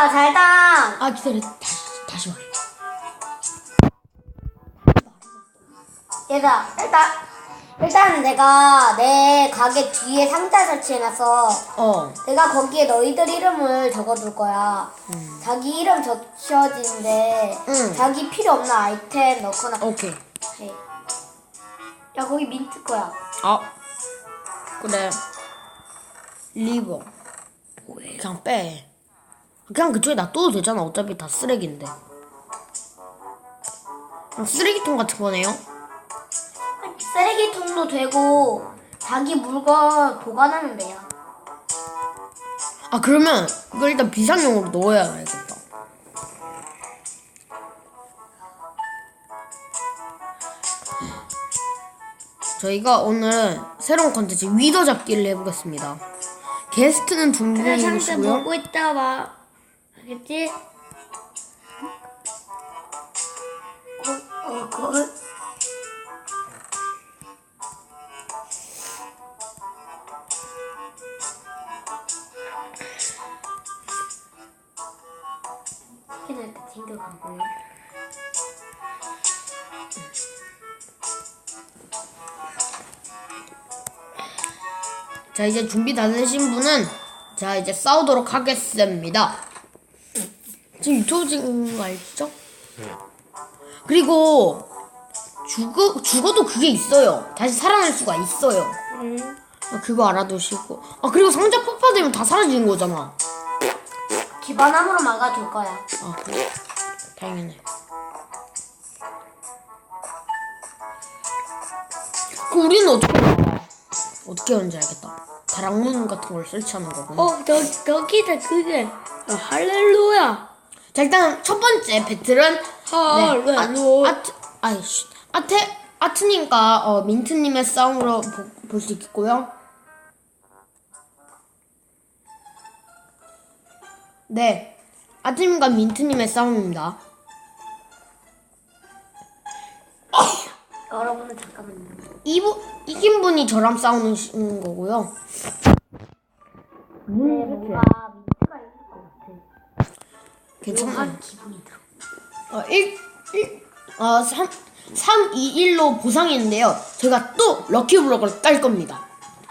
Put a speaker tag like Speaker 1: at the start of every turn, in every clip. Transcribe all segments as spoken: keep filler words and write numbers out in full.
Speaker 1: 야, 잘당.
Speaker 2: 아 기다려. 다시 다시 말해.
Speaker 1: 얘들아, 일단, 일단 내가 내 가게 뒤에 상자 설치해놨어.
Speaker 2: 어.
Speaker 1: 내가 거기에 너희들 이름을 적어둘 거야.
Speaker 2: 음.
Speaker 1: 자기 이름 적혀지는데,
Speaker 2: 응.
Speaker 1: 자기 필요 없는 아이템 넣거나.
Speaker 2: 오케이.
Speaker 1: 해. 야, 거기 민트 거야.
Speaker 2: 아 그래. 리버. 그냥 빼. 그냥 그쪽에 놔둬도 되잖아. 어차피 다 쓰레기인데. 그냥 쓰레기통 같은 거네요.
Speaker 1: 쓰레기통도 되고, 자기 물건 보관하면 돼요.
Speaker 2: 아 그러면 이걸 일단 비상용으로 넣어야 알겠다. 저희가 오늘 새로운 컨텐츠 위더 잡기를 해보겠습니다. 게스트는 두 분이시고요.
Speaker 1: 보고 있다 와. 알겠지? 어, 어, 그, 확인할 때 챙겨가고요.
Speaker 2: 자 이제 준비 다 되신 분은 자 이제 싸우도록 하겠습니다. 지금 유튜브 찍는 거 알죠? 그리고 죽어, 죽어도 그게 있어요. 다시 살아날 수가 있어요.
Speaker 1: 응.
Speaker 2: 아, 그거 알아두시고. 아 그리고 상자 폭파되면 다 사라지는 거잖아.
Speaker 1: 기반함으로 막아줄 거야.
Speaker 2: 아 그래. 당연해. 그럼 우리는 어떻게 알아? 어떻게 하는지 알겠다. 다락문 같은 걸 설치하는 거구나.
Speaker 1: 어, 저, 저기다 그게 어, 할렐루야.
Speaker 2: 자 일단 첫 번째 배틀은 네,
Speaker 1: 할렐루야.
Speaker 2: 아, 아트 아이씨 아테 아트님과 어, 민트님의 싸움으로 볼 수 있겠고요. 네, 아트님과 민트님의 싸움입니다.
Speaker 1: 여러분은 잠깐만요.
Speaker 2: 이부, 이긴 분이 저랑 싸우는 시- 거고요.
Speaker 1: 네, 뭔가 민트가 있을 것 같아.
Speaker 2: 괜찮아요.
Speaker 1: 묘한 기분이 들어.
Speaker 2: 어, 일, 일, 어, 삼, 삼, 이, 일로 보상했는데요. 제가 또 럭키블럭을 깔 겁니다.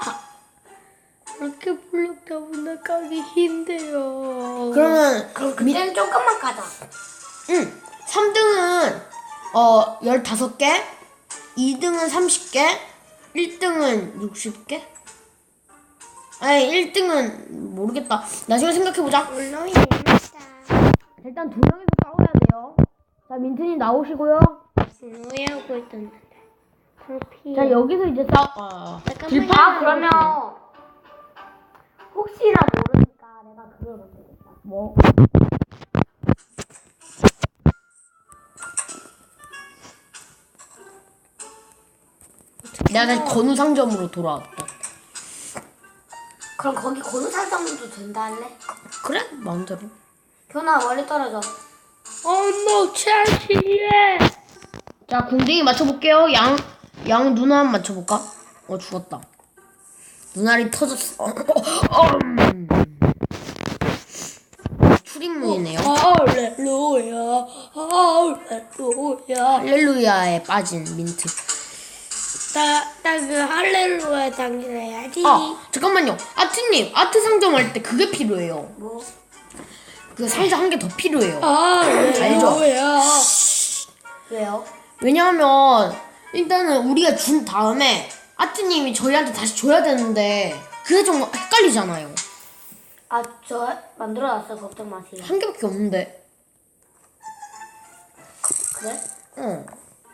Speaker 1: 이렇게 블록 때문에 까기 힘들어.
Speaker 2: 그러면,
Speaker 1: 그럼 그때는 조금만 가자.
Speaker 2: 응, 삼 등은, 어, 열다섯 개, 이 등은 삼십 개, 일 등은 육십 개? 아니, 일 등은 모르겠다. 나중에 생각해보자.
Speaker 1: 물론이 재밌다.
Speaker 2: 일단 두 명이서 싸워야 돼요. 자, 민트님 나오시고요.
Speaker 1: 왜 하고 있던데? 커피.
Speaker 2: 자, 여기서 이제 싸워, 어, 길파.
Speaker 1: 아, 그러면 혹시나 모르니까 내가 그걸 만들겠다.
Speaker 2: 뭐? 내가 다시 건우 상점으로 돌아왔다.
Speaker 1: 그럼 거기 건우살상도 된다 할래?
Speaker 2: 그래? 마음대로.
Speaker 1: 현아 멀리 떨어져. 어머 차시해.
Speaker 2: 자, 궁뎅이 맞춰볼게요. 양, 양 누나 한번 맞춰볼까? 어, 죽었다. 눈알이 터졌어. 어, 어, 음. 출입문이네요.
Speaker 1: 할렐루야 할렐루야.
Speaker 2: 할렐루야에 빠진 민트.
Speaker 1: 나나그 할렐루야 당겨야지.
Speaker 2: 아, 잠깐만요. 아트님, 아트 상점 할 때 그게 필요해요.
Speaker 1: 뭐?
Speaker 2: 그 상자 한 개 더 필요해요.
Speaker 1: 할렐루야. 왜요?
Speaker 2: 왜냐하면 일단은 우리가 준 다음에 아트님이 저희한테 다시 줘야 되는데 그게 좀 헷갈리잖아요.
Speaker 1: 아 저 만들어놨어 걱정 마세요.
Speaker 2: 한 개밖에 없는데.
Speaker 1: 그래?
Speaker 2: 응.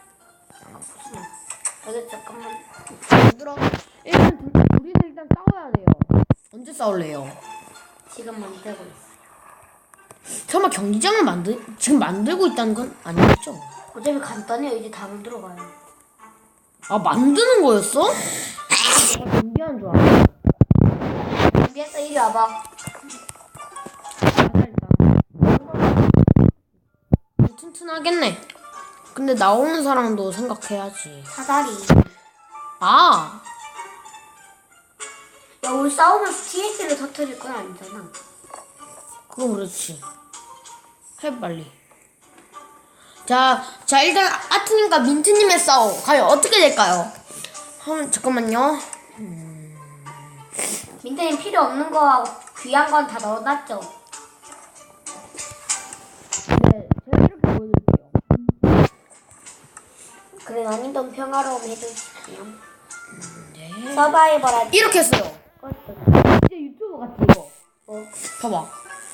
Speaker 1: 알겠어 잠깐만.
Speaker 2: 얘들아, 일단 둘, 우리는 일단 싸워야 돼요. 언제 싸울래요?
Speaker 1: 지금 만들고 있어.
Speaker 2: 설마 경기장을 만들 지금 만들고 있다는 건 아니겠죠?
Speaker 1: 어차피 간단해요. 이제 다 만들어가요.
Speaker 2: 아 만드는 거였어? 내가 준비한 줄 알아.
Speaker 1: 준비했어. 이리 와봐.
Speaker 2: 튼튼하겠네. 근데 나오는 사람도 생각해야지.
Speaker 1: 사다리.
Speaker 2: 아,
Speaker 1: 야 우리 싸우면서 티엔티를 터뜨릴 건 아니잖아.
Speaker 2: 그거 그렇지. 해 빨리. 자, 자 일단 아트님과 민트님의 싸움 과연 어떻게 될까요? 한 잠깐만요.
Speaker 1: 민트님 필요 없는 거하고 귀한 건 다 넣어놨죠?
Speaker 2: 네, 제가 이렇게 보여드릴게요.
Speaker 1: 그래 난이도 평화로움 해주시고요.
Speaker 2: 네.
Speaker 1: 서바이벌 할 때.
Speaker 2: 이렇게 했어요. 진짜 유튜브 같아 이거.
Speaker 1: 어,
Speaker 2: 봐봐.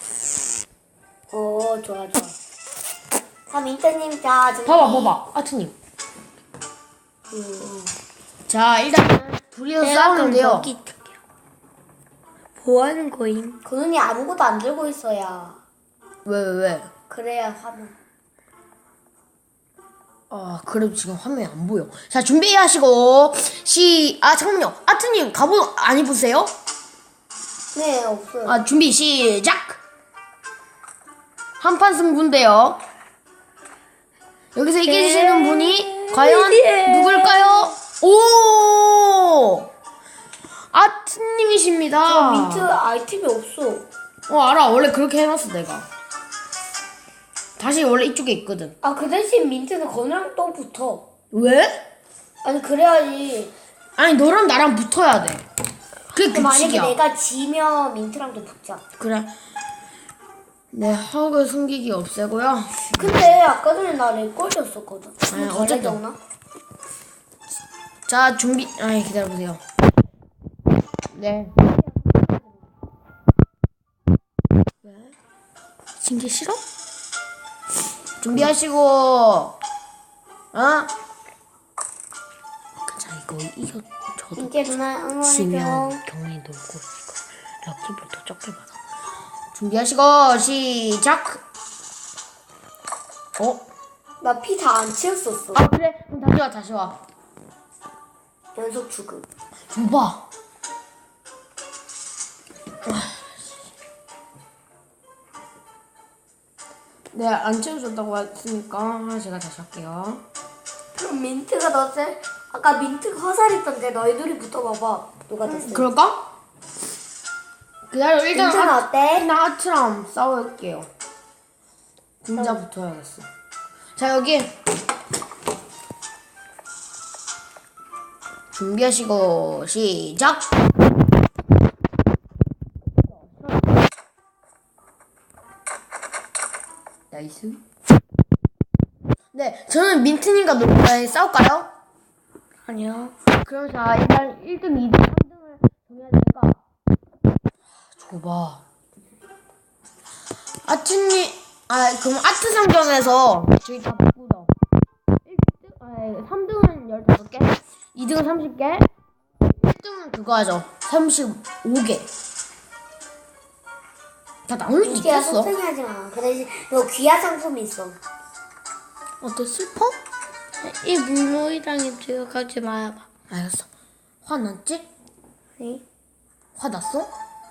Speaker 1: 어 좋아 좋아. 자 민트님 자 준비.
Speaker 2: 봐봐, 봐봐, 아트님.
Speaker 1: 음.
Speaker 2: 자, 일단 둘이서 싸우는데요.
Speaker 1: 뭐 하는 거임? 그 눈이 아무것도 안 들고 있어야.
Speaker 2: 왜, 왜, 왜?
Speaker 1: 그래야 화면.
Speaker 2: 아, 그래도 지금 화면이 안 보여. 자, 준비하시고 시, 아 잠깐만요. 아트님 갑옷 안 입으세요?
Speaker 1: 네 없어요.
Speaker 2: 아, 준비 시작. 한판 승부인데요. 여기서 이기시는 분이 과연 누굴까요? 오! 아트님이십니다.
Speaker 1: 민트 아이템이 없어.
Speaker 2: 어, 알아. 원래 그렇게 해놨어, 내가. 다시 원래 이쪽에 있거든.
Speaker 1: 아 그 대신 민트는 건우랑 또 붙어.
Speaker 2: 왜?
Speaker 1: 아니 그래야지.
Speaker 2: 아니, 너랑 나랑 붙어야 돼. 그게
Speaker 1: 그럼 만약에
Speaker 2: 규칙이야.
Speaker 1: 내가 지면 민트랑도 붙자.
Speaker 2: 그래. 네, 허그 숨기기 없애고요.
Speaker 1: 근데 아까 전에 나 렉걸렸었거든.
Speaker 2: 아니, 어쨌든. 자, 준비. 아니, 기다려보세요. 네. 왜? 신기 싫어? 준비하시고. 어? 자, 이거 이거 저도
Speaker 1: 이제 누나 응원해줘.
Speaker 2: 지면 경리 놀고 이거 럭키부터 적게 받아. 준비하시고 시작. 어?
Speaker 1: 나 피 다 안 채웠었어.
Speaker 2: 아 그래? 그럼 다시 와 다시 와.
Speaker 1: 연속 죽음.
Speaker 2: 줘봐. 네, 안 채워줬다고 했으니까 제가 다시 할게요.
Speaker 1: 그럼 민트가 더 세? 아까 민트가 화살 있던데 너희들이 붙어봐봐. 누가 더 세?
Speaker 2: 그럴까? 기다려. 일단
Speaker 1: 민트는
Speaker 2: 아,
Speaker 1: 어때?
Speaker 2: 일단 아트랑 싸울게요. 진짜 붙어야겠어. 자, 여기 준비하시고 시작. 나이스. 네, 저는 민트님과 놀, 아니, 싸울까요?
Speaker 1: 아니요.
Speaker 2: 그럼 자, 일단 일 등, 이 등, 삼 등을 정해야 되니까. 줘봐. 아트님, 아, 그럼 아트 상점에서 저희 다 바꾸자. 일 등, 아, 삼 등은 열다섯 개, 이 등은 삼십 개, 일 등은 그거 하죠. 삼십오 개. 다 나올 수
Speaker 1: 민트야
Speaker 2: 있겠어?
Speaker 1: 속상해하지 마. 그 대신 너 귀하 상품이 있어.
Speaker 2: 어때, 슬퍼?
Speaker 1: 이 물놀이랑에 들어가지 마봐.
Speaker 2: 알겠어. 화났지?
Speaker 1: 네?
Speaker 2: 화났어?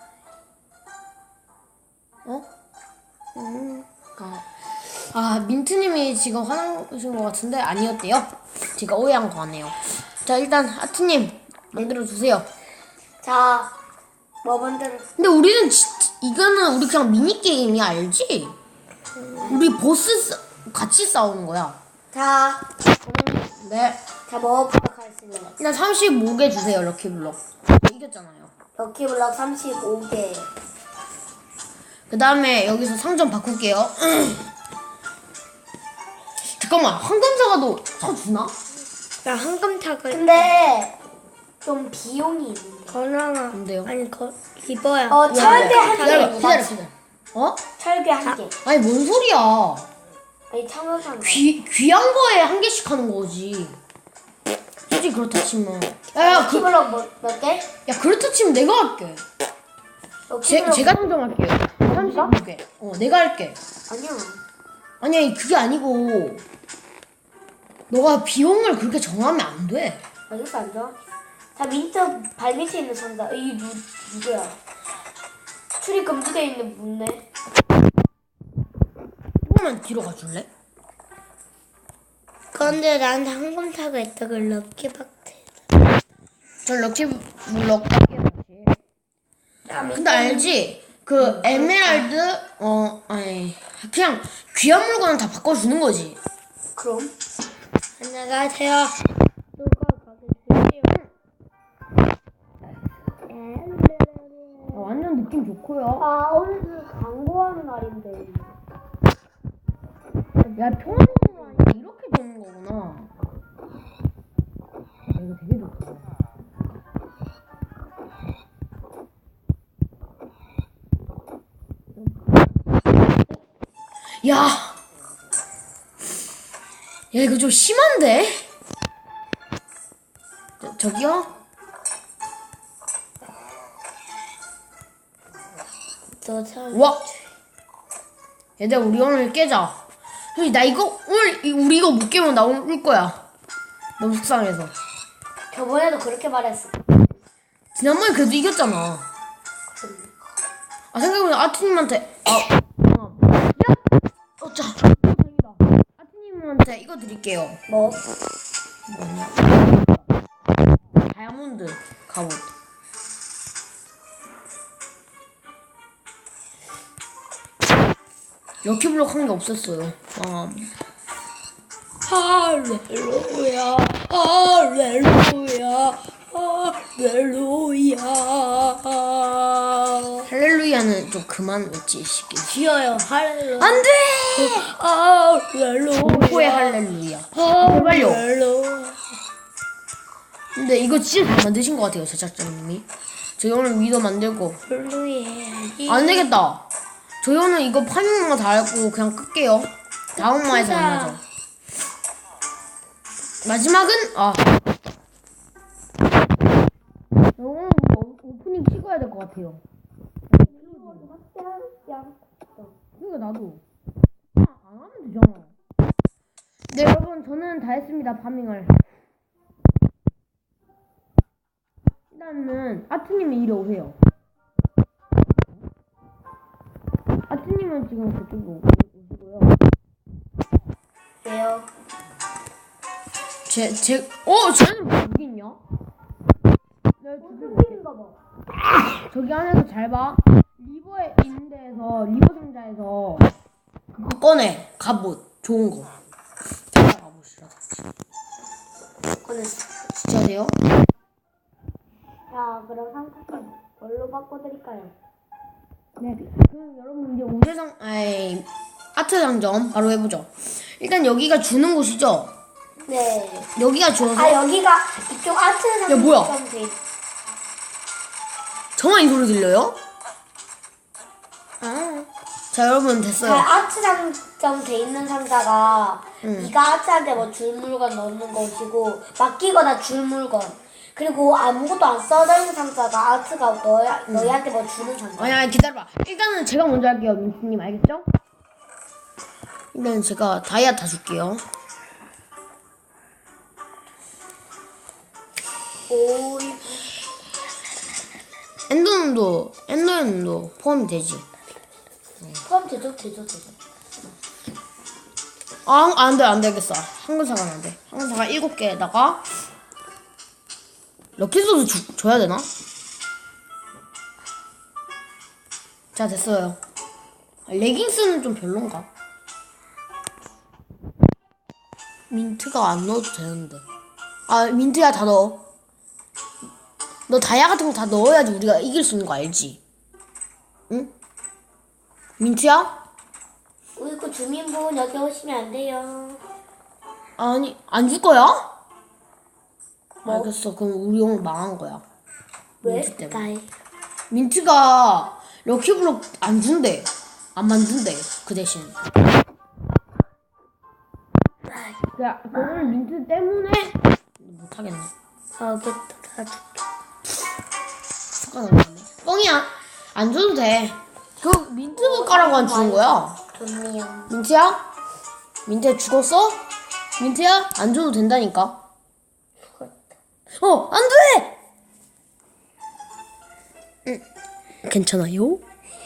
Speaker 2: 어?
Speaker 1: 음.
Speaker 2: 아, 아 민트님이 지금 화나신 것 같은데 아니었대요. 제가 오해한 거 같네요. 자, 일단 아트님 만들어 주세요.
Speaker 1: 자, 뭐 만들어?
Speaker 2: 근데 우리는 지, 이거는 우리 그냥 미니 게임이야, 알지? 우리 보스 싸, 같이 싸우는 거야.
Speaker 1: 자,
Speaker 2: 네.
Speaker 1: 자, 뭐 부탁하실래요?
Speaker 2: 일단 삼십오 개 주세요, 럭키블럭. 이겼잖아요.
Speaker 1: 럭키블럭 삼십오 개.
Speaker 2: 그 다음에 여기서 상점 바꿀게요. 잠깐만, 황금사과도 사주나?
Speaker 3: 나 황금탁을
Speaker 1: 근데 좀 비용이 있는데.
Speaker 3: 건강아
Speaker 2: 뭔데요?
Speaker 3: 아니 거 입어야
Speaker 1: 어, 철괴 한
Speaker 2: 기다려,
Speaker 1: 개.
Speaker 2: 기다려, 기다려. 어?
Speaker 1: 철괴 한 개.
Speaker 2: 아니, 뭔 소리야.
Speaker 1: 아니, 참여상.
Speaker 2: 귀, 귀한 거에 한 개씩 하는 거지. 솔직히 그렇다 치면. 야, 야, 그,
Speaker 1: 럭키블럭 뭐, 몇 개?
Speaker 2: 야, 그렇다 치면 내가 할게. 제,
Speaker 1: 럭키블럭
Speaker 2: 제가 상정할게요. 삼십오 개. 어, 내가 할게.
Speaker 1: 아니야.
Speaker 2: 아니, 그게 아니고. 너가 비용을 그렇게 정하면 안 돼.
Speaker 1: 알겠어, 안 좋아? 자, 민트 발밑에 있는 상자. 이 누, 누구야? 출입 금지돼 있는 문네.
Speaker 2: 조금만 뒤로 가줄래?
Speaker 3: 그런데 난 황금탁을 있다가 럭키박트
Speaker 2: 전 럭키 블럭 할게요, 다시.
Speaker 1: 자, 민트.
Speaker 2: 근데 알지? 그 에메랄드 어 아니 그냥 귀한 물건은 다 바꿔주는 거지.
Speaker 1: 그럼
Speaker 3: 안녕하세요. 누가 가게 주세요?
Speaker 2: 아, 완전 느낌 좋고요.
Speaker 1: 아 오늘 광고하는 날인데.
Speaker 2: 야, 평화로운 아니라 이렇게 되는 거구나. 야, 이거 되게 좋다. 야! 야, 이거 좀 심한데? 저, 저기요?
Speaker 3: 너 참.
Speaker 2: 와! 얘들아, 우리 오늘 깨자. 형이 나 이거, 오늘, 이- 우리 이거 못 깨면 나 오늘 울 거야. 너무 속상해서.
Speaker 1: 저번에도 그렇게 말했어.
Speaker 2: 지난번에 그래도 이겼잖아. 아, 생각해보면 아트님한테, 아, 야! 어, 자, 어, 다행이다. 아트님한테 이거 드릴게요.
Speaker 1: 뭐?
Speaker 2: 다이아몬드 갑옷. 럭키블럭 한 게 없었어요. 아,
Speaker 3: 할렐루야, 할렐루야, 할렐루야.
Speaker 2: 할렐루야는 좀 그만 외치시길.
Speaker 3: 지어요, 할렐루야.
Speaker 2: 안 돼!
Speaker 3: 할렐루야.
Speaker 2: 공포의 할렐루야. 제발요.
Speaker 3: 할렐루야.
Speaker 2: 근데 이거 진짜 잘 만드신 것 같아요, 제작자님이. 저희 오늘 위도 만들고.
Speaker 3: 할렐루야.
Speaker 2: 안 되겠다. 저희 오늘 이거 파밍만 다 하고 그냥 끌게요. 다음 화에서 만나죠. 마지막은, 아. 오늘 뭐 오프닝 찍어야 될 것 같아요. 그러니까 나도. 아, 안 하면 되잖아. 네, 여러분, 저는 다 했습니다, 파밍을. 일단은, 아트님이 이리 오세요. 아트님은 지금 그쪽으로 오시고요.
Speaker 1: 왜요?
Speaker 2: 제, 제, 어, 쟤는 왜 여기 있냐? 네,
Speaker 1: 무슨인가 봐.
Speaker 2: 저기 안에서 잘 봐. 리버에 있는 데에서, 리버 상자에서 그거 꺼내. 갑옷. 좋은 거. 자, 가봅시다.
Speaker 1: 꺼냈어.
Speaker 2: 진짜 돼요?
Speaker 1: 자 그럼 상품 뭘로 바꿔드릴까요?
Speaker 2: 네. 그럼 여러분 이제 우대상, 아이, 아트 상점 바로 해보죠. 일단 여기가 주는 곳이죠?
Speaker 1: 네.
Speaker 2: 여기가 주어서.
Speaker 1: 아 여기가 이쪽 아트
Speaker 2: 야, 뭐야?
Speaker 1: 상점 돼.
Speaker 2: 저만 이 소리 들려요?
Speaker 3: 아,
Speaker 2: 자, 여러분
Speaker 1: 자,
Speaker 2: 됐어요.
Speaker 1: 아트 상점 돼 있는 상자가
Speaker 2: 응.
Speaker 1: 네가 아트한테 뭐 줄 물건 넣는 것이고 맡기거나 줄 물건 그리고 아무것도 안 써져 있는 상자가 아트가 너야, 너희한테 뭐 주는 상자.
Speaker 2: 아니, 아니, 기다려봐. 일단은 제가 먼저 할게요, 민트님. 알겠죠? 일단 제가 다이아 다 줄게요.
Speaker 1: 오이
Speaker 2: 엔더눈도, 엔더눈도 포함이 되지.
Speaker 1: 포함 되죠 되죠 되죠.
Speaker 2: 아, 안 돼, 안 되겠어. 황금사과는 안 돼. 황금사과 일곱 개에다가, 럭키소드 주, 줘야 되나? 자, 됐어요. 아, 레깅스는 좀 별론가? 민트가 안 넣어도 되는데. 아, 민트야, 다 넣어. 너 다이아 같은 거 다 넣어야지 우리가 이길 수 있는 거 알지? 응? 민트야?
Speaker 1: 우이구 주민분 여기 오시면 안 돼요.
Speaker 2: 아니, 안 줄 거야?
Speaker 1: 뭐?
Speaker 2: 알겠어. 그럼 우리 오늘 망한 거야.
Speaker 1: 왜?
Speaker 2: 민트 때문에.
Speaker 3: 나이.
Speaker 2: 민트가 럭키블럭 안 준대. 안 만든대. 그 대신. 야, 그거는 민트 때문에 못하겠네.
Speaker 3: 알겠다, 다 줄게.
Speaker 2: 숟가락 없네. 뻥이야. 안 줘도 돼. 그 민트 가라고 안 주는 거야.
Speaker 1: 좋네요.
Speaker 2: 민트야? 민트야 죽었어? 민트야? 안 줘도 된다니까. 어, 안 돼! 응, 괜찮아요?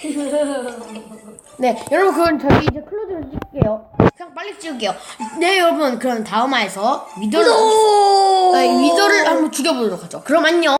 Speaker 2: 네, 여러분, 그럼 저희 이제 클로즈를 찍을게요. 그냥 빨리 찍을게요. 네, 여러분, 그럼 다음화에서 위더를, 아니, 위더를 한번 죽여보도록 하죠. 그럼 안녕!